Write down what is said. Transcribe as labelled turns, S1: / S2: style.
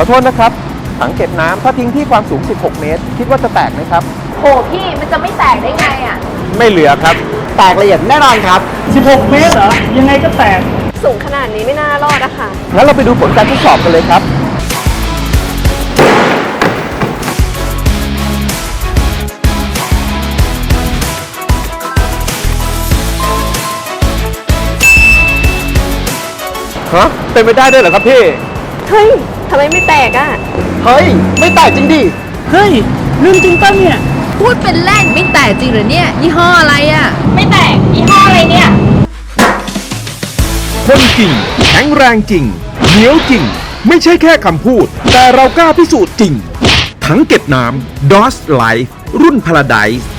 S1: อโทษนะครับถังเก็บน้ำถ้าทิ้งที่ความสูง16เมตรคิดว่าจะแตกไหมครับ
S2: โหพี่มันจะไม่แตกได้ไงอ่ะ
S1: ไม่เหลือครับ
S3: แตกละเอียดแน่นอนครับ
S4: 16 เมตรเหรอ ยังไงก็แตก
S2: สูงขนาดนี้ไม่น่ารอดอะค่ะ
S1: งั้นเราไปดูผลการทดสอบกันเลยครับฮะเป็นไปได้ด้วยเหรอครับพี่
S2: เฮ้ยทำไมไม่แตกอะ
S3: เฮ้ย ไม่แตกจริงดิ
S4: เฮ้ยเรื่องจริงป่ะเนี่ย
S5: พูดเป็นเล่นไม่แตกจริงเหรอเนี่ยยี่ห้ออะไรอ่ะ
S2: ไม่แตกยี่ห้ออะไรเนี่ย
S6: คนจริงแข็งแรงจริงเหนียวจริง ไม่ใช่แค่คำพูด แต่เรากล้าพิสูจน์จริง ถังเก็บน้ำ DOS Life รุ่น Paradise